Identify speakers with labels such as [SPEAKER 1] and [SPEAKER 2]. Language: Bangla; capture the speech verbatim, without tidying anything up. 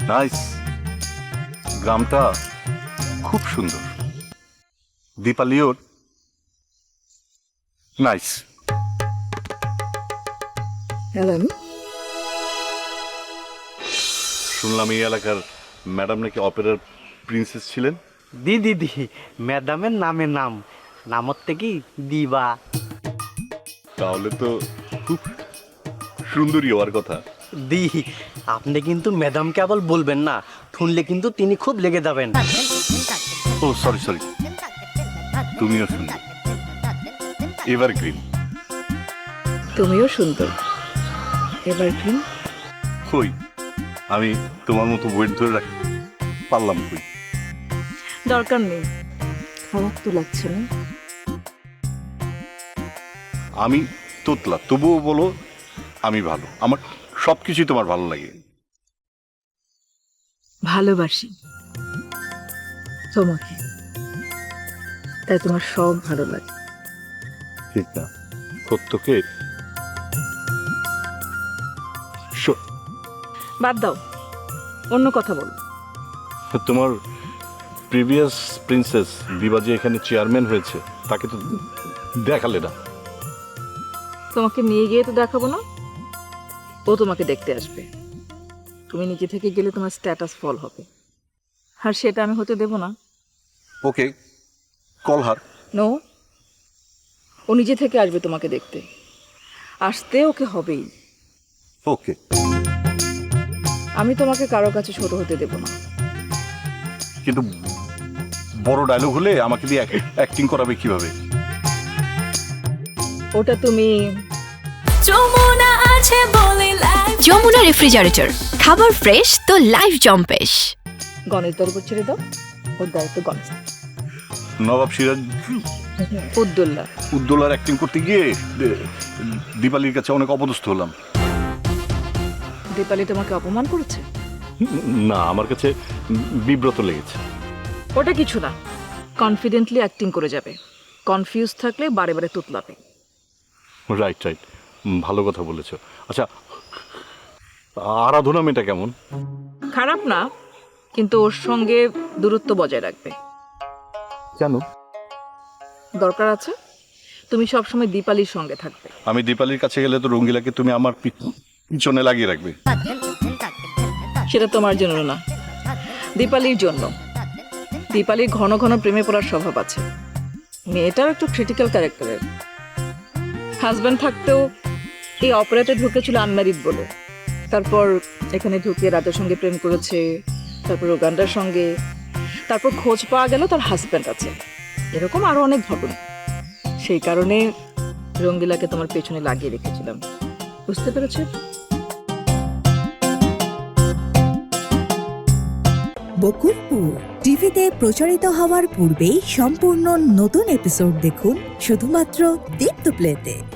[SPEAKER 1] নাইস, গ্রামটা খুব সুন্দর। দীপালিওর নাইস।
[SPEAKER 2] হ্যালেন,
[SPEAKER 1] শুনলাম এই এলাকার ম্যাডাম নাকি অপেরার প্রিন্সেস ছিলেন।
[SPEAKER 3] দি দিদি, ম্যাডামের নামে নাম, নামত থেকে দিবা।
[SPEAKER 1] তাহলে তো খুব সুন্দরী হওয়ার কথা।
[SPEAKER 3] দি, আপনি কিন্তু ম্যাডামকে আবার বলবেন না, শুনলে কিন্তু তিনি খুব লেগে যাবেন।
[SPEAKER 1] ও সরি সরি, তুমিও সুন্দর, এভারগ্রিন।
[SPEAKER 2] তুমিও সুন্দর, এভারগ্রিন।
[SPEAKER 1] কই, আমি তোমার মতো ওয়েট ধরে রাখি পারলাম কই?
[SPEAKER 2] দরকার নেই, খারাপ তো লাগছে না।
[SPEAKER 1] আমি তোতলা, তবুও বলো আমি ভালো। আমার সব কিছুই তোমার ভালো লাগে।
[SPEAKER 2] ভালোবাসি তোমাকে, তাই তোমার সব ভালো লাগে।
[SPEAKER 1] ঠিক না, সত্যকে স-
[SPEAKER 2] বাদ দাও, অন্য কথা বল।
[SPEAKER 1] তোমার প্রিভিয়াস প্রিন্সেস দিবা যে এখানে চেয়ারম্যান হয়েছে, তাকে তো দেখালে না।
[SPEAKER 2] তোমাকে নিয়ে গিয়ে তো দেখাবো না, ও তোমাকে দেখতে আসবে। তুমি নিজে থেকে গেলে তোমার স্ট্যাটাস ফল হবে, আর সেটা আমি হতে দেব না।
[SPEAKER 1] ওকে, কলহার।
[SPEAKER 2] নো, ও নিজে থেকে আসবে তোমাকে দেখতে, আসতে ওকে হবেই।
[SPEAKER 1] ওকে,
[SPEAKER 2] আমি তোমাকে কারো কাছে ছোট হতে দেব না।
[SPEAKER 1] কিন্তু বড় ডায়লগ হলে আমাকে দিয়ে অ্যাক্টিং করাবে কিভাবে?
[SPEAKER 2] ওটা তুমি
[SPEAKER 4] যমুনা আছে বলে লাইফ।
[SPEAKER 5] যমুনা রেফ্রিজারেটর, খাবার ফ্রেশ তো লাইফ জম্পেশ।
[SPEAKER 2] গণেশের উপর ছেড়ে দাও, ওর দায়িত্ব গণেশ।
[SPEAKER 1] নবাব সিরাজ
[SPEAKER 2] উদ্দোল্লা,
[SPEAKER 1] উদ্দোলার অ্যাক্টিং করতে গিয়ে দে- দীপালির কাছে অনেক অপদস্থ হলাম।
[SPEAKER 2] দীপালি তোমাকে অপমান করেছে?
[SPEAKER 1] না, আমার কাছে বিব্রত লেগেছে।
[SPEAKER 2] ওটা কিছু না, কনফিডেন্টলি অ্যাক্টিং করে যাবে। কনফিউজ থাকলে বারে বারে তুতলাবে।
[SPEAKER 1] রাইট রাইট, ভালো কথা বলেছো। আচ্ছা, আরাধনা মেয়েটা কেমন?
[SPEAKER 2] খারাপ না, কিন্তু ওর সঙ্গে দূরত্ব বজায় রাখবে।
[SPEAKER 1] কেন?
[SPEAKER 2] দরকার আছে, তুমি সবসময় দীপালির সঙ্গে থাকবে।
[SPEAKER 1] আমি দীপালির কাছে গেলে তো রঙ্গিলাকে তুমি আমার পি- পিছনে লাগিয়ে রাখবে।
[SPEAKER 2] সেটা তোমার জন্য না, দীপালির জন্য। দীপালির ঘন ঘন প্রেমে পড়ার স্বভাব আছে। মেয়েটাও একটু ক্রিটিক্যাল ক্যারেক্টারের। হাজব্যান্ড থাকতেও এই অপারেটে ঢুকেছিল আনম্যারিড বলে, তারপর এখানে ঢুকে রাজার সঙ্গে প্রেম করেছে, তারপর ওগান্ডার সঙ্গে, তারপর খোঁজ পাওয়া গেল তার হাজব্যান্ড আছে। এরকম আরো অনেক ঘটনা। সেই কারণে রঙ্গিলাকে তোমার পেছনে লাগিয়ে রেখেছিলাম, বুঝতে পেরেছো?
[SPEAKER 6] বকুলপুর টিভিতে প্রচারিত হওয়ার পূর্বেই সম্পূর্ণ নতুন এপিসোড দেখুন শুধুমাত্র দীপ্ত প্লেতে।